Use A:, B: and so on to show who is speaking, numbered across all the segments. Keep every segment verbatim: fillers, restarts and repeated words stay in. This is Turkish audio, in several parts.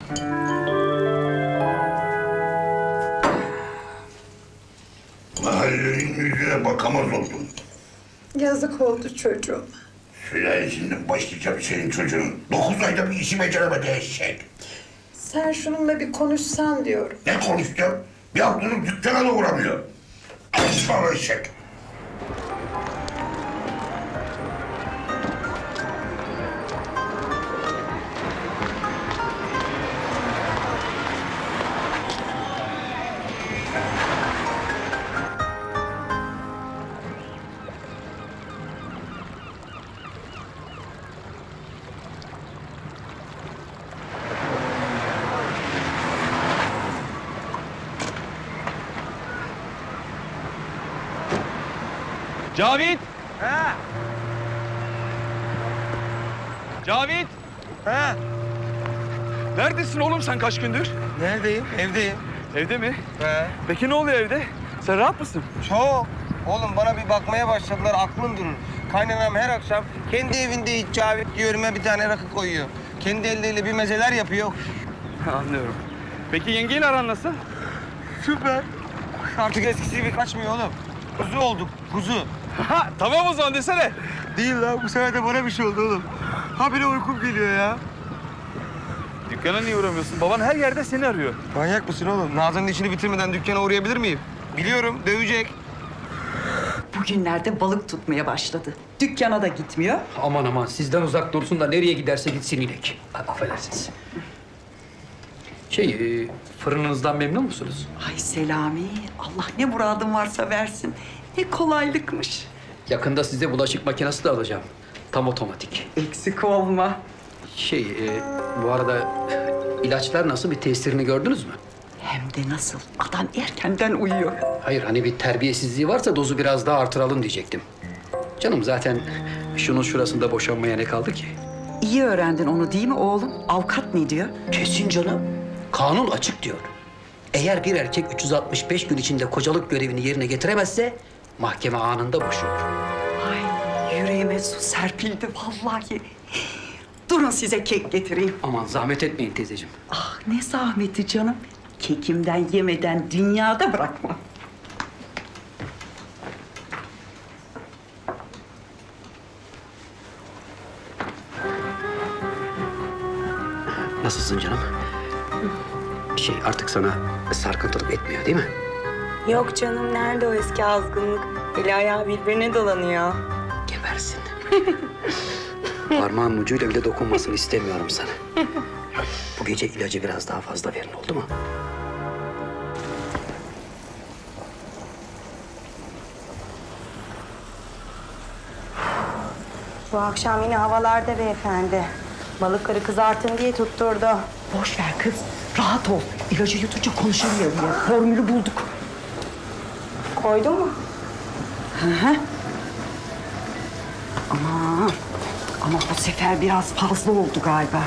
A: Mahallenin yüzüne bakamaz oldum.
B: Yazık oldu çocuğum.
A: Sülalesinden başlayacağım senin çocuğun. Dokuz ayda bir işi beceremedi eşek.
B: Sen şununla bir konuşsan diyorum.
A: Ne konuşacağım? Bir haftadır dükkana da uğramıyor. Alışma eşek.
C: Cavit!
D: Ha?
C: Cavit!
D: Ha?
C: Neredesin oğlum sen kaç gündür?
D: Neredeyim? Evdeyim.
C: Evde mi?
D: He.
C: Peki ne oluyor evde? Sen rahat mısın?
D: Çok. Oğlum bana bir bakmaya başladılar, aklım durur. Kaynanam her akşam kendi evinde hiç Cavit diyor, önüme bir tane rakı koyuyor. Kendi elleriyle bir mezeler yapıyor.
C: Anlıyorum. Peki yengeyle aran nasıl?
D: Süper. Artık eskisi gibi kaçmıyor oğlum. Kuzu olduk, kuzu.
C: Ha, tamam o zaman desene.
D: Değil lan, bu sefer de bana bir şey oldu oğlum. Habire uykum geliyor ya.
C: Dükkana niye uğramıyorsun? Baban her yerde seni arıyor.
D: Manyak mısın oğlum? Nazan'ın işini bitirmeden dükkana uğrayabilir miyim? Biliyorum, dövecek.
E: Bugünlerde balık tutmaya başladı. Dükkana da gitmiyor.
F: Aman aman sizden uzak dursun da nereye giderse gitsin inek. A- Affedersiniz. Şey, e, fırınınızdan memnun musunuz?
E: Ay Selami, Allah ne muradın varsa versin. Ne kolaylıkmış.
F: Yakında size bulaşık makinesi de alacağım. Tam otomatik.
E: Eksik olma.
F: Şey, e, bu arada ilaçlar nasıl, bir tesirini gördünüz mü?
E: Hem de nasıl? Adam erkenden uyuyor.
F: Hayır, hani bir terbiyesizliği varsa dozu biraz daha artıralım diyecektim. Canım zaten şunun şurasında boşanmaya ne kaldı ki?
E: İyi öğrendin onu değil mi oğlum? Avukat ne diyor?
F: Kesin canım. Kanun açık diyor. Eğer bir erkek üç yüz altmış beş gün içinde kocalık görevini yerine getiremezse mahkeme anında boşuyor.
E: Ay yüreğime su serpildi vallahi. Durun size kek getireyim.
F: Aman zahmet etmeyin teyzeciğim.
E: Ah ne zahmeti canım. Kekimden yemeden dünyada bırakmam.
F: Nasılsın canım? Şey artık sana sarkıntılık etmiyor değil mi?
G: Yok canım, nerede o eski azgınlık? Eli ayağı birbirine dolanıyor.
F: Gebersin. Parmağın ucuyla bile dokunmasını istemiyorum sana. Bu gece ilacı biraz daha fazla verin, oldu mu?
G: Bu akşam yine havalarda beyefendi. Balıkları kızartın diye tutturdu.
E: Boş ver kız. Rahat ol. İlacı yutunca konuşamıyor bile. Formülü bulduk.
G: Koydun mu?
E: Aman. Ama bu sefer biraz fazla oldu galiba.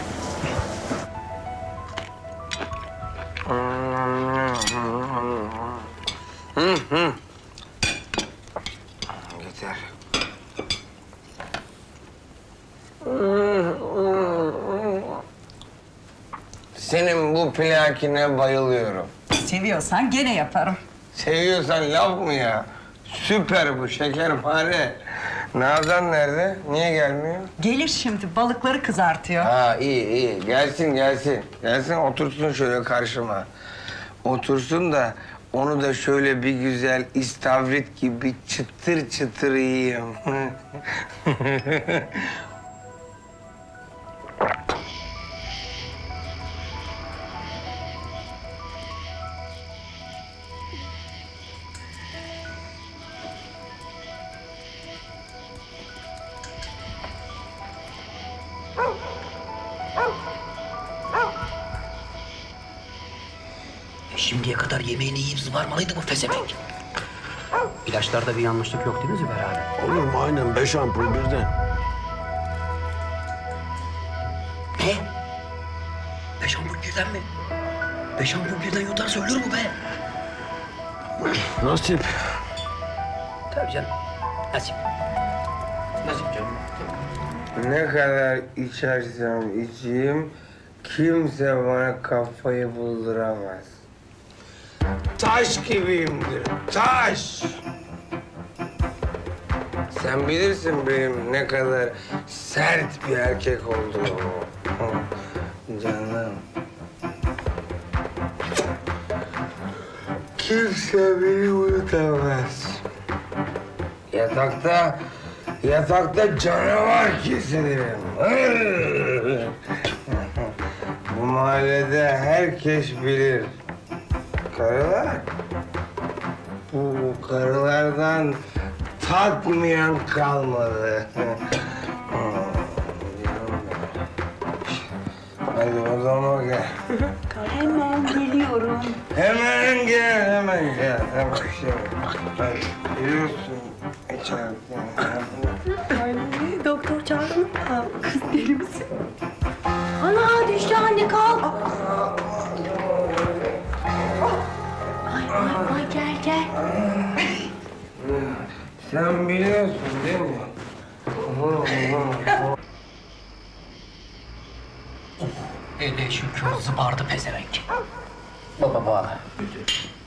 D: Yeter. Senin bu plakine bayılıyorum.
E: Seviyorsan gene yaparım.
D: Seviyorsan laf mı ya? Süper bu, şekerpare. Nazan nerede? Niye gelmiyor?
E: Gelir şimdi balıkları kızartıyor.
D: Ha iyi iyi. Gelsin gelsin. Gelsin otursun şöyle karşıma. Otursun da onu da şöyle bir güzel istavrit gibi çıtır çıtır yiyeyim.
F: Şimdiye kadar yemeğini yiyip zıvarmalıydı bu fezevenk. İlaçlarda bir yanlışlık yok değil mi Zübeyir abi?
H: Olur mu? Aynen beş ampul birden.
F: Ne? Beş ampul birden mi? Beş ampul birden yutarsa ölür mü be?
H: Nasip.
F: Tabii canım. Nasip. Nasip canım.
D: Ne kadar içersem içeyim kimse bana kafayı bulduramaz. Taş gibiyimdir, taş. Sen bilirsin benim ne kadar sert bir erkek olduğumu. Canım. Kimse beni unutamaz. Yatakta, yatakta canavar kesilirim. Bu mahallede herkes bilir. Karılar, bu karılardan tatmayan kalmadı. Hadi o zaman gel.
G: Hemen geliyorum.
D: Hemen gel, hemen gel. Hemen şey. Hadi, biliyorsun içeride.
G: Ay, doktor çağırın mı? Kız deli misin? Ana düştü anne kalk. Ay ay ay gel gel.
D: Sen biliyorsun değil mi?
F: Hele şükür zıbardı pezevenk. Baba baba.